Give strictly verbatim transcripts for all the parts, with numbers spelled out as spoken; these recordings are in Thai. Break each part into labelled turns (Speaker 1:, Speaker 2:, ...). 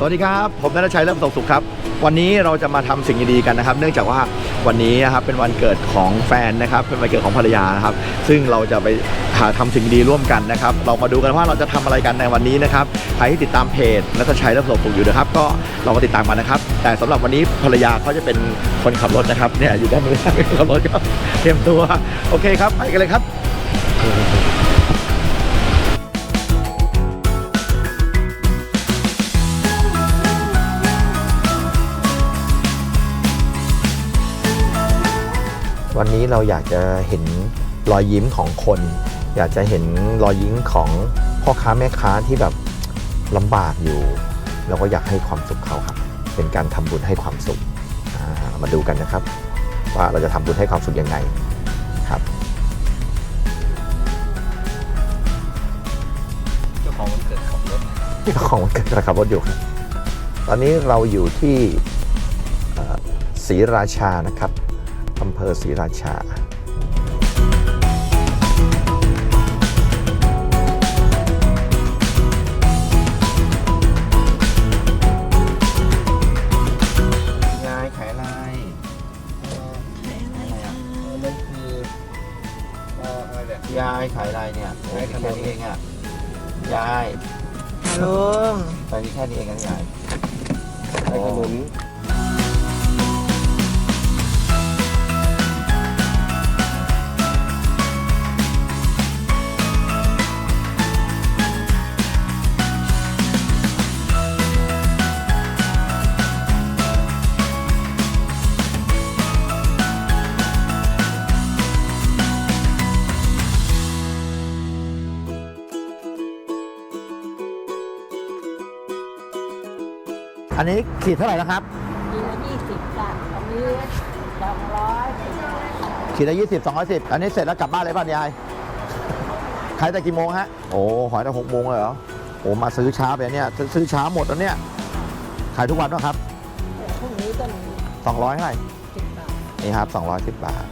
Speaker 1: วัสดีครับผมณัฐชัย เลิศประสบสุขครับวันนี้เราจะมาทำสิ่งดีๆกันนะครับเนื่องจากว่าวันนี้นะครับเป็นวันเกิดของแฟนนะครับเป็นวันเกิดของภรรยานะครับซึ่งเราจะไปหาทำสิ่งดีร่วมกันนะครับเรามาดูกันว่าเราจะทำอะไรกันในวันนี้นะครับใครที่ติดตามเพจณัฐชัย เลิศประสบสุขอยู่นะครับก็เรามาติดตามกันนะครับแต่สำหรับวันนี้ภรรยาเขาจะเป็นคนขับรถนะครับเนี่ยอยู่ด้านนู้นขับรถก็เตรียมตัวโอเคครับไปกันเลยครับวันนี้เราอยากจะเห็นรอยยิ้มของคน อยากจะเห็นรอยยิ้มของพ่อค้าแม่ค้าที่แบบลำบากอยู่เราก็อยากให้ความสุขเขาครับเป็นการทำบุญให้ความสุขมาดูกันนะครับว่าเราจะทำบุญให้ความสุขยังไงครับเจ้าของวันเกิดขับรถเจ้าของวันเกิดขับรถอยู่ครับตอนนี้เราอยู่ที่ศรีราชานะครับอำเภอศรีราชายายขายอะไรขายอะไรอ่ะนั่นคือยายขายอะไรเนี่ยขายแค่นี้เองอ่ะยายลุงไปมีแค่นี้เองนะยายขายขนมอันนี้ขีดเท่าไหร่นะครับ
Speaker 2: ขีดละยี่สิบจ้ะอันนี้สองร้อย
Speaker 1: ขีดละยี่สิบสองร้อยสิบอันนี้เสร็จแล้วกลับบ้านเลยป่ะยายขายแต่กี่โมงฮะโอ้ขายแต่หกโมงเลยเหรอโอ้มาซื้อช้าไปเนี่ยซื้อช้าหมดแล้วเนี่ยขายทุกวันป่ะครับ
Speaker 2: พรุ่งนี้ก็มี
Speaker 1: สองร้อยเท่าไหร่
Speaker 2: สิบบาท
Speaker 1: นี่ครับสองร้อยสิบบาท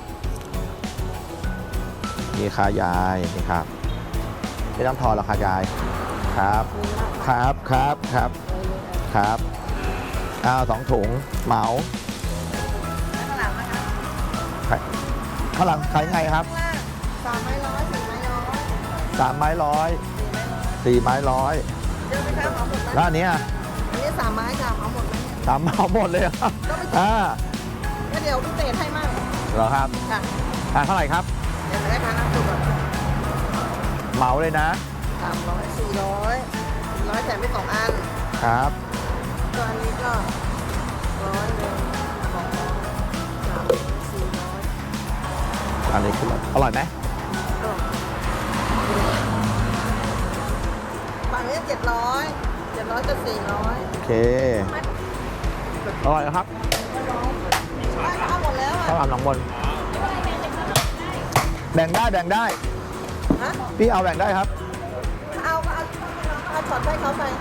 Speaker 1: นี่ค่ะยายนี่ครับไม่ต้องทอนหรอกค่ะยายครับครับครับครับครับอ้าวสองถุงเหมา
Speaker 2: ข้างหลังนะคะ
Speaker 1: ข้างหลังขายไงครับ
Speaker 2: สามไม้ร้อยสี่ไม้ร้อย
Speaker 1: สามไม้ร้อยสี่ไม้ร้อย
Speaker 2: เยอะไหมครับเหมาหมดไหม
Speaker 1: แล้วอันนี้อ่ะ
Speaker 2: อันนี้สามไม้ค่ะเหมาหมดไหม
Speaker 1: สามเหมาหมดเลยครับอ่า
Speaker 2: ก็เดี๋ยวพิเศษให้มาก
Speaker 1: เหรอครับ
Speaker 2: ค่ะ
Speaker 1: อ่าเท่าไหร่ครับ
Speaker 2: เดี๋ยวได้ค่ะน้ำซุป
Speaker 1: เหมาเลยนะ
Speaker 2: สามร้อยสี่ร้อยร้อยแถมไปสองอัน
Speaker 1: ครับ
Speaker 2: ตัวอันนี้ก็ร้อยหนึ่งสองร้อยสามร้อยสี่ร้อย
Speaker 1: อันนี้คืออร่อยไหม
Speaker 2: ฝั่งนี้เจ็ดร้อยเจ็ดร้อยจะสี่ร้อย
Speaker 1: โอเคอร่อยครับ
Speaker 2: ข้าวหมดแล้ว
Speaker 1: ข้าวหลามหนองมนแบ่งได้แบ่งได้พี่เอาแบ่งได้ครับ
Speaker 2: เอาเอาเอาช็อตให้เขาไป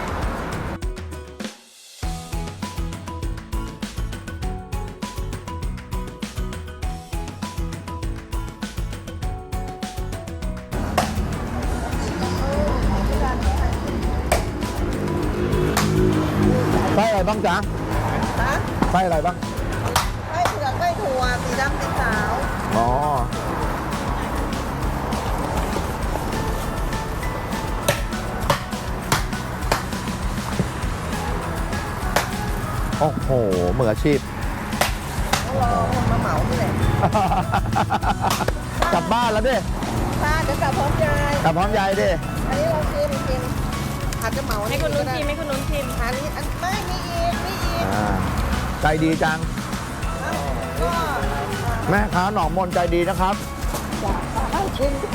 Speaker 1: ไส้อะไรบ้างจ๊ะไส้อะไรบ้าง
Speaker 2: ไส้เผือกไส้ถั่วสีดำสีขาว
Speaker 1: อ๋อโอ้โหมืออาชีพ
Speaker 2: รอคนมาเหมาที่ไหน
Speaker 1: กลับบ้านแล้วดิ
Speaker 2: ป้าเดี๋ยวกลับพร้อมยาย
Speaker 1: กลับพร้อมยายดิ
Speaker 2: อันนี้เราชิมชิมอาจจะเหมา
Speaker 3: ให้คนนู้นชิมให้คนนู้นชิม
Speaker 2: อันนี้อันไม่มีอีกมีอีก
Speaker 1: ใจดีจังแม่ค้าหนองมนใจดีนะครับ
Speaker 2: ชิม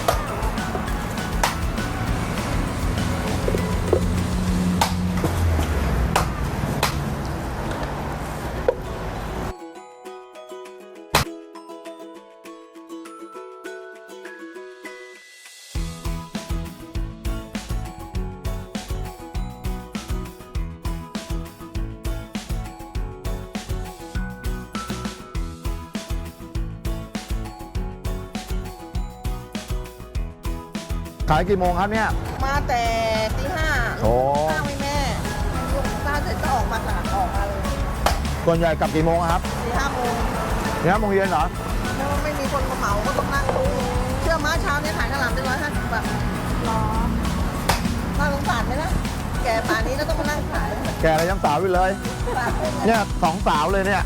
Speaker 1: ขายกี่โมงครับเนี่ย
Speaker 2: มาแต่ตีห้า
Speaker 1: โอ้
Speaker 2: ข้าวไม่แม่เสร็จก็ออกมาค่ะออกมาเลย
Speaker 1: ส่วนใหญ่กลับกี่โมงอะครับ
Speaker 2: สี่ห้าโมง
Speaker 1: สี่ห้าโมงเย็นเหรอ
Speaker 2: ถ้าไม่มีคนมาเหมาก็ต้องนั่งดูเชื่อม้าเช้านี้ขายข้าวหลามได้ร้อยห้าสิบบาทหรอน่าสงสารไหมนะแกป่านนี้ก็ต้องมานั่งขาย
Speaker 1: แกอะไรยังสาวอยู่เลย เนี่ยสองสาวเลยเนี่ย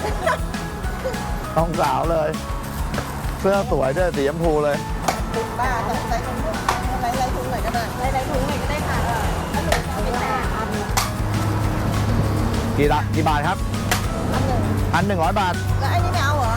Speaker 1: สองสาวเลย เสื้อสวยด้วยสีชมพูเลย
Speaker 2: ติดบ้าต้องใส่อะไรอะไรถุงไหนก็ได้อะไรถุงไหนก็ได้ค่ะเอาไปแต่อัน
Speaker 1: กี่ละกี่บาทครับ
Speaker 2: อันหนึ่ง
Speaker 1: พันหนึ่งร้อยบาท
Speaker 2: แล้วไอ้นี่ไม่เอาเหรอ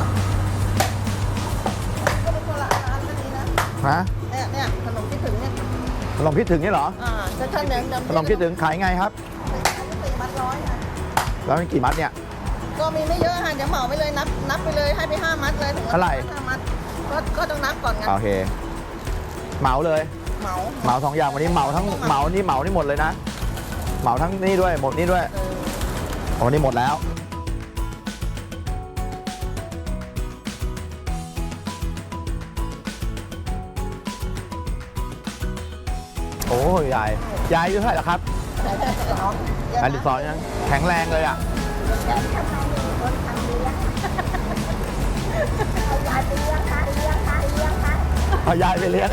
Speaker 2: ก็เป็นคนละอันก็ดีนะ
Speaker 1: ฮะ
Speaker 2: เนี่ยเนี่ยขนมคิดถึงเนี่ย
Speaker 1: ขนมคิดถึงนี่เหรอ
Speaker 2: อ่าจะท่านเดิมเดิม
Speaker 1: ขนมคิดถึงขายไงครับ
Speaker 2: สี่มัดร้อยค่ะ
Speaker 1: แล้วมันกี่มัดเนี่ย
Speaker 2: ก็มีไม่เยอะค่ะเดี๋ยวเหมาไปเลยนับนับไปเลยให้ไปห้ามัดเลย
Speaker 1: เท่าไหร่
Speaker 2: ห้ามัดก็ก็ต้องนับก่อนไง
Speaker 1: โอเค เหมาเลย
Speaker 2: เหมา
Speaker 1: เหมาสองอย่างวันนี้เหมาทั้งเหมานี่เหมานี่หมดเลยนะ เหมาทั้งนี่ด้วยหมดนี่ด้วย
Speaker 2: เออ
Speaker 1: โอ้นี่หมดแล้ว โอ้ยยายยายอายุเท่าไหร่แล้วครับ
Speaker 2: แต่แต่แต่น้อง
Speaker 1: อันที่สองยังแข็งแรงเลยอ่ะ
Speaker 2: ยายไปเลี้ยงค่ะเลี้ยงค่ะเลี้ยงค่ะ
Speaker 1: เอายายไปเลี้ยง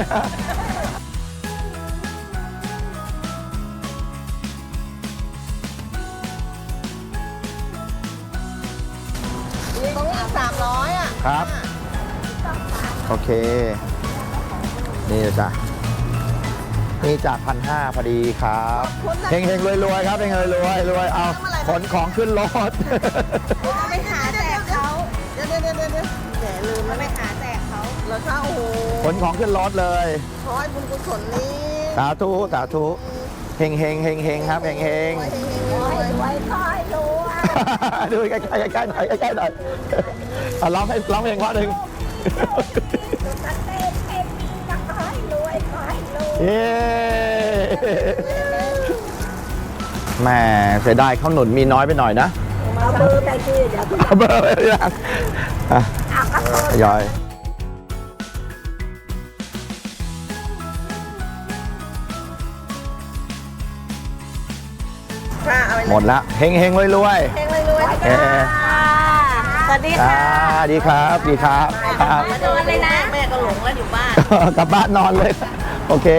Speaker 2: ตรงนี้สามร้อยอ่ะ
Speaker 1: ครับ โอเค นี่จ้ะนี่จากพันห้าพอดีครับเฮงเฮงรวยรวยๆครับเฮงรวยรวยรวยเอาขนของขึ้นรถ
Speaker 2: ไปหาแจกเขาเดี๋ยวเดี๋ยวเดี๋ยวเดี๋ยวแหมลืมแล้วไปหาแจกเขาแล้วถ้าโอ้โห
Speaker 1: ขนของขึ้นรถเลย
Speaker 2: ขอให้บุญกุศลนี้
Speaker 1: สาธุสาธุเฮงเฮงเฮงเฮงครับเฮงเฮง
Speaker 2: รวยรวยคอยรวย
Speaker 1: ดูใกล้ใกล้ใกล้หน่อยใกล้หน่อยเอาร้องให้ร้องเพลงเพราะหนึ่ง
Speaker 2: ตัดเต้นเต้นมีนะคอยรวยคอยรวย
Speaker 1: เย้แหม่เสียดายข้าวหนุนมีน้อยไปหน่อยนะ
Speaker 2: เอาเบอร์ไปที่เดี๋ยว
Speaker 1: เอาเบอร์ไปหรือยังอ่ะ
Speaker 2: เอากระโดด
Speaker 1: ทยอย
Speaker 2: ค่ะเอาไป
Speaker 1: หมดละเฮงเฮงรวยรวย
Speaker 2: เพลงรวยรวย
Speaker 1: เอ่อ
Speaker 2: สวัสดี
Speaker 1: อ่า
Speaker 2: ค่ะ
Speaker 1: ดีครับดีครับครับ
Speaker 2: มาโดนเลยนะแม่ก็หลงแล้วอยู่บ้าน
Speaker 1: กลับบ้านนอนเลย โอเค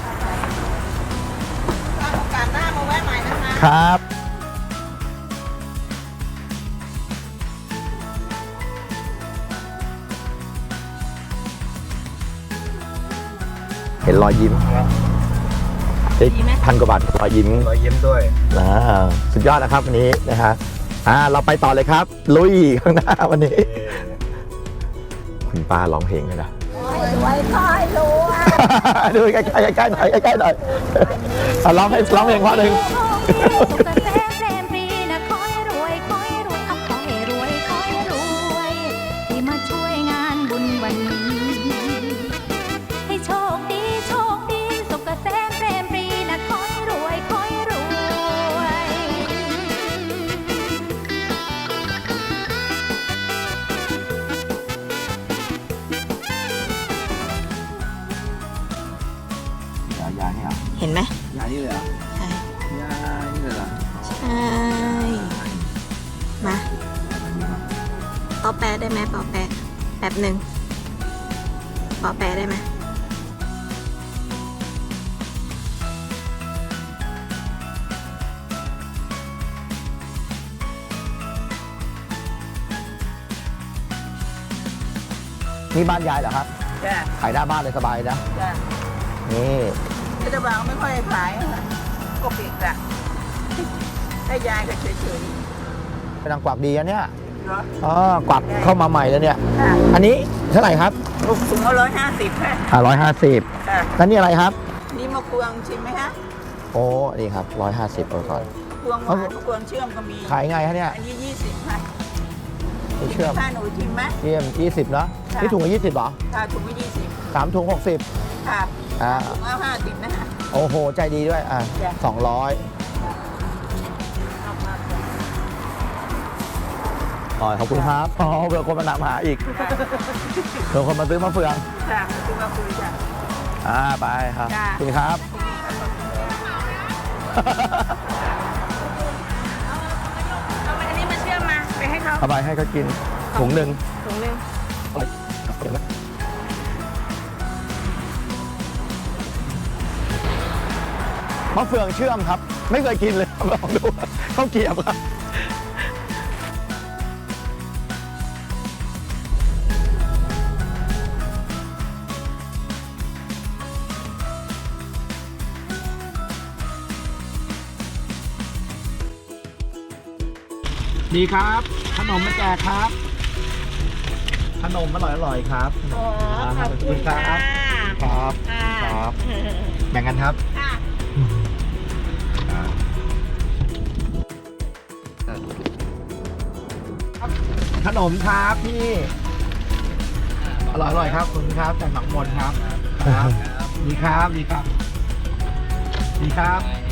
Speaker 2: ถ้าโอกาสหน้ามาแวะใหม่นะคะ
Speaker 1: ครับ เห็นรอยยิ้มเฮ้ยพันกว่าบาทรอยยิ้ม
Speaker 3: รอยยิ้มด้วย
Speaker 1: อ่าสุดยอดนะครับวันนี้นะฮะอ่าเราไปต่อเลยครับ ลุยข้างหน้าวันนี้ คุณป้าร้องเพลงเลยนะ
Speaker 2: รวยคอยรวย
Speaker 1: ดูใกล้ๆใกล้ๆหน่อยใกล้ๆหน่อยอ่ะร้องให้ร้องเพลงเพราะหนึ่ง
Speaker 4: สุขเกษมเปรมปรีนะขอให้รวยขอให้รวยเอาขอให้รวยขอให้รวยที่มาช่วยงานบุญวันนี้ ให้โชคดีโชคดีสุขเกษมเปรมปรีนะขอให้รวยขอให้รวย
Speaker 1: ยานี่เหรอ
Speaker 2: เห็นไหม
Speaker 1: ยานี่เลยเหรอ
Speaker 2: ใช่
Speaker 1: ยานี่เลยเหรอ
Speaker 2: ใช่มาปอแปะได้ไหมปอแปะแป๊บหนึ่งปอแปะได้ไหม
Speaker 1: นี่บ้านยายเหรอครับ
Speaker 2: จ้ะ
Speaker 1: ขายหน้าบ้านเลยสบายนะ
Speaker 2: จ้ะ
Speaker 1: นี่
Speaker 2: รัฐบาลไม่ค่อยขายก็ปิดอ่ะให้ยายก็เฉย
Speaker 1: เป็นนางกวักดีอะเนี่ย
Speaker 2: ๆเหรอ
Speaker 1: อ๋อกวักเข้ามาใหม่แล้วเนี่ย
Speaker 2: ค่ะ
Speaker 1: อันนี้เท่าไหร่ครับ
Speaker 2: ลูกสูงร้อยห้าสิบค่ะ
Speaker 1: อ่าร้อยห้าสิบ
Speaker 2: ค่ะ
Speaker 1: แล้วนี่อะไรครับ
Speaker 2: นี่มะกวงชิมไหมฮะ
Speaker 1: โอ้นี่ครับร้อยห้าสิบเอาก่อน
Speaker 2: กวงหวานมะกวงเชื่อมก็มี
Speaker 1: ขายไงฮะเนี่ย
Speaker 2: อันนี้ยี่สิบค่ะ
Speaker 1: ไม่เชื่อม
Speaker 2: ถ้าหนูชิมไหม
Speaker 1: เยี่ยมยี่สิบเนาะ
Speaker 2: ค่ะ
Speaker 1: นี่ถุงละยี่สิบเหรอ
Speaker 2: ถ้าถุงละยี่สิบ
Speaker 1: สามถุงหกสิบ
Speaker 2: ค่ะ
Speaker 1: อ่า
Speaker 2: ถุงละห้าสิบนะฮะ
Speaker 1: โอ้โห ใจดีด้วย อ่ะ
Speaker 2: จ้ะ
Speaker 1: สองร้อยอ๋อขอบคุณครับอ๋อเผื่อคนมาหนามหาอีกเผื่อคนมาซื้อมะเฟือง
Speaker 2: ค่ะคือมาคุยจ้ะ
Speaker 1: อ่า ไปครับ
Speaker 2: จ้ะ
Speaker 1: ขอบคุณครับเอาไปให้เขากินถุงหนึ่ง
Speaker 2: ถุงหนึง
Speaker 1: เดี๋ยวนะมะเฟืองเชื่อมครับ ไม่เคยกินเลยลองดูข้าวเกรี๊ยวครับดีครับ ขนมมาแจกครับ ขนมอร่อยอร่อยๆครับ
Speaker 2: อ๋อขอบคุณ
Speaker 1: ครั
Speaker 2: ค่ะ
Speaker 1: บครับ
Speaker 2: ค่ะ
Speaker 1: ครับแบ่งกันครับ
Speaker 2: ค่ะ
Speaker 1: ขนมครับพี่อร่อยอร่อยครับขอบคุณครับจากหนองมนครับครับดีครับดีครับดีครับ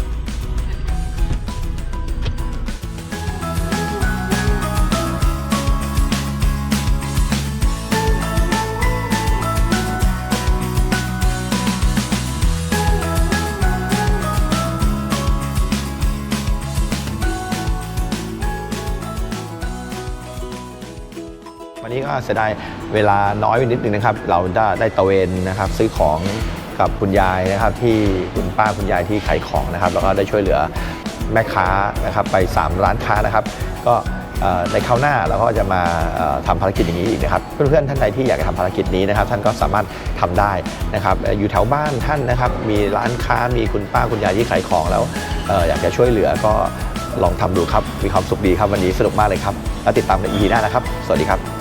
Speaker 1: วันนี้ก็เสียดายเวลาน้อยไปนิดนึงนะครับ เราได้ได้ตะเวนนะครับซื้อของกับคุณยายนะครับที่คุณป้าคุณยายที่ขายของนะครับแล้วก็ได้ช่วยเหลือแม่ค้านะครับไปสามร้านค้านะครับก็เอ่อในคราวหน้าเราก็จะมาเอ่อทำภารกิจอย่างนี้อีกนะครับเพื่อนๆท่านใดที่อยากจะทำภารกิจนี้นะครับท่านก็สามารถทำได้นะครับเอ่ออยู่แถวบ้านท่านนะครับมีร้านค้ามีคุณป้าคุณยายที่ขายของแล้วเอ่ออยากจะช่วยเหลือก็ลองทำดูครับมีความสุขดีครับวันนี้สนุกมากเลยครับแล้วติดตามใน อี พี หน้านะครับสวัสดีครับ